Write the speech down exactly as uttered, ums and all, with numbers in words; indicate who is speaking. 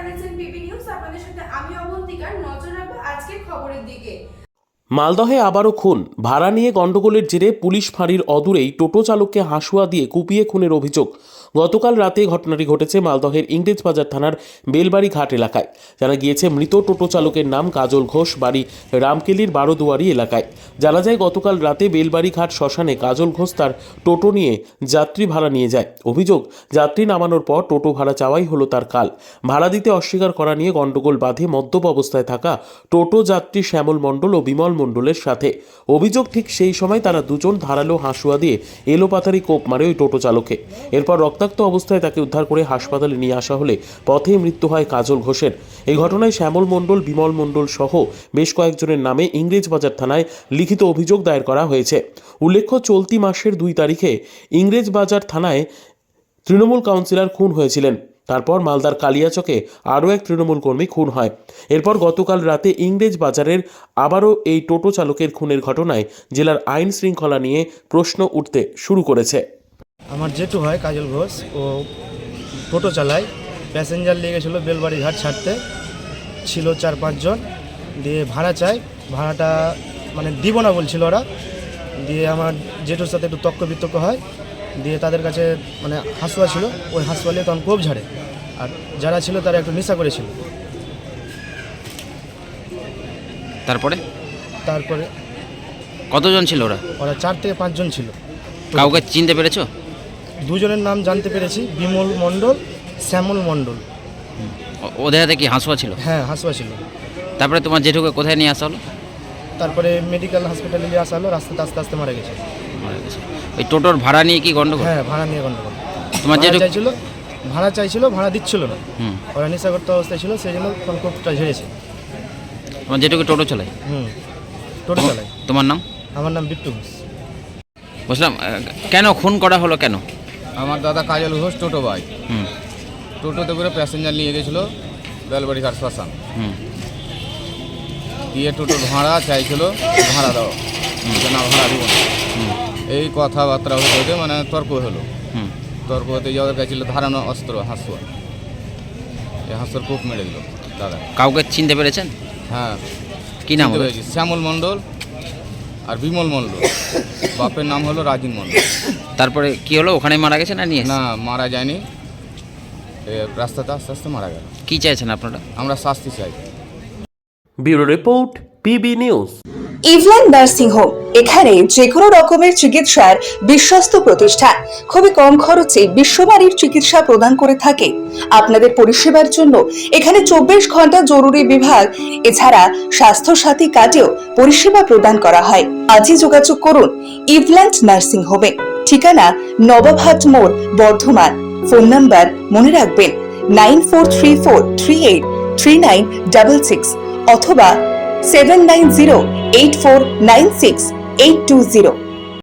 Speaker 1: দেখছেন PB news. আপনাদের সাথে আমি অবন্তিকার। নজর রাখবো আজকের খবরের দিকে।
Speaker 2: মালদহে আবারও খুন। ভাড়া নিয়ে গন্ডগোলের জেরে পুলিশ ফাঁড়ির অদূরেই টোটো চালককে হাঁসুয়া দিয়ে কুপিয়ে খুনের অভিযোগ। গতকাল রাতে ঘটনাটি ঘটেছে মালদহের ইংরেজবাজার থানার বেলবাড়ি ঘাট এলাকায়। জানা গিয়েছে মৃত টোটো চালকের নাম কাজল ঘোষ, বাড়ি রামকেলির বারোদুয়ারি এলাকায়। জানা যায় গতকাল রাতে বেলবাড়ি ঘাট শ্মশানে কাজল ঘোষ তার টোটো নিয়ে যাত্রী ভাড়া নিয়ে যায়। অভিযোগ, যাত্রী নামানোর পর টোটো ভাড়া চাওয়াই হলো তার কাল। ভাড়া দিতে অস্বীকার করা নিয়ে গন্ডগোল বাধে মদ্যপ অবস্থায় থাকা টোটো যাত্রী শ্যামল মণ্ডল ও বিমল মণ্ডলের সাথে। অভিযোগ, ঠিক সেই সময় তারা দুজন ধারালো হাঁসুয়া দিয়ে এলোপাতারি কোপ মারে ওই টোটো চালককে। এরপর রক্তাক্ত অবস্থায় তাকে উদ্ধার করে হাসপাতালে নিয়ে আসা হলে পথেই মৃত্যু হয় কাজল ঘোষের। এই ঘটনায় শ্যামল মণ্ডল, বিমল মণ্ডল সহ বেশ কয়েকজনের নামে ইংরেজবাজার থানায় লিখিত অভিযোগ দায়ের করা হয়েছে। উল্লেখ্য, চলতি মাসের দুই তারিখে ইংরেজবাজার থানায় তৃণমূল কাউন্সিলর খুন হয়েছিলেন। তারপর মালদার কালিয়াচকে আরও এক তৃণমূল কর্মী খুন হয়। এরপর গতকাল রাতে ইংরেজ বাজারের আবারও এই টোটো চালকের খুনের ঘটনায় জেলার আইন শৃঙ্খলা নিয়ে প্রশ্ন উঠতে শুরু করেছে।
Speaker 3: আমার জেঠু হয় কাজল ঘোষ, ও টোটো চালায়। প্যাসেঞ্জার নিয়ে গেছিলো বেলবাড়ি ঘাট ছাড়তে, ছিল চার পাঁচজন। দিয়ে ভাড়া চাই, ভাড়াটা মানে দিব না বলছিল ওরা। দিয়ে আমার জেঠুর সাথে একটু তক্ক বিতর্ক হয়। দিয়ে তাদের কাছে মানে হাঁসুয়া ছিল, ওই হাঁসুয়া নিয়ে তখন কোপ ঝাড়ে। আর যারা ছিল তারা একটু নেশা করেছিল।
Speaker 4: তারপরে
Speaker 3: তারপরে
Speaker 4: কতজন ছিল ওরা?
Speaker 3: ওরা চার থেকে পাঁচজন ছিল।
Speaker 4: কাউকে চিনতে পেরেছো?
Speaker 3: দুজনের নাম জানতে পেরেছি, বিমল মণ্ডল, শ্যামল মণ্ডল।
Speaker 4: ও- ওদের হাতে কি হাঁসুয়া ছিল?
Speaker 3: হ্যাঁ, হাঁসুয়া ছিল।
Speaker 4: তারপরে তোমার জেঠুকে কোথায় নিয়ে আসা হলো?
Speaker 3: তারপরে মেডিকেল হসপিটালে নিয়ে আসা হলো, রাস্তাতে আস্তে আস্তে মারা গেছে।
Speaker 4: মারা গেছে। ওই টোটোর ভাড়া নিয়ে কি গন্ডগোল?
Speaker 3: হ্যাঁ, ভাড়া নিয়ে গন্ডগোল।
Speaker 4: তোমার
Speaker 3: ভাড়া
Speaker 4: জেঠু
Speaker 3: চাইছিল, ভাড়া চাইছিল, ভাড়া দিচ্ছিল না।
Speaker 4: হুম
Speaker 3: ওরা নেশাগ্রস্ত অবস্থায় ছিল, সেই জন্য তখন কোপটা ঝেড়েছে।
Speaker 4: তোমার জেঠুকে টোটো চালায়?
Speaker 3: হুম, টোটো
Speaker 4: তোমার-
Speaker 3: চালাই।
Speaker 4: তোমার নাম?
Speaker 3: আমার নাম বিট্টু ঘোষ।
Speaker 4: বুঝলাম। আহ, কেন খুন করা হলো কেন?
Speaker 5: আমার দাদা কাজল ঘোষ টোটো ভাই,
Speaker 4: হুম
Speaker 5: টোটোতে করে প্যাসেঞ্জার নিয়ে গেছিলো বেলবাড়ি ঘাট শ্মশান।
Speaker 4: হুম
Speaker 5: দিয়ে টোটোর ভাড়া চাইছিল, ভাড়া দাও, যে না ভাড়া দিব না।
Speaker 4: হুম
Speaker 5: এই কথাবার্তা হতে হতে মানে তর্ক হলো।
Speaker 4: হুম
Speaker 5: তর্ক হতে যাওয়ার কাছে ছিল ধারানো অস্ত্র হাঁসুয়া। এই হাঁসুয়ার কূপ মেরে দিল দাদা।
Speaker 4: কাউকে চিনতে পেরেছেন?
Speaker 5: হ্যাঁ,
Speaker 4: কি নাম
Speaker 5: চিনতে
Speaker 4: ওদের?
Speaker 5: পেরেছি, শ্যামল মণ্ডল আর বিমল মণ্ডল। বাপের নাম হলো রাজিন মণ্ডল।
Speaker 4: তারপরে কি হলো? ওখানে মারা গেছে না নিয়ে এসে?
Speaker 5: না, মারা যায়নি, এ রাস্তাতে আস্তে আস্তে মারা গেল।
Speaker 4: কি চাইছেন আপনারা?
Speaker 5: আমরা শাস্তি চাই।
Speaker 2: Bureau report, PB news.
Speaker 6: ইভল্যান্ড নার্সিং হোম, এখানে যে কোনো রকমের চিকিৎসার বিশ্বস্ত প্রতিষ্ঠান। খুবই কম খরচে বিশ্বমানের চিকিৎসা প্রদান করে থাকে। আপনাদের পরিষেবার জন্য এখানে চব্বিশ ঘন্টা জরুরি বিভাগ, এছাড়া স্বাস্থ্য সাথী কার্ডেও পরিষেবা প্রদান করা হয়। আজই যোগাযোগ করুন ইভল্যান্ড নার্সিং হোমে। ঠিকানা নবাবহাট মোড়, বর্ধমান। ফোন নাম্বার মনে রাখবেন nine four three four three eight three nine double six অথবা seven nine zero eight four nine six eight two zero.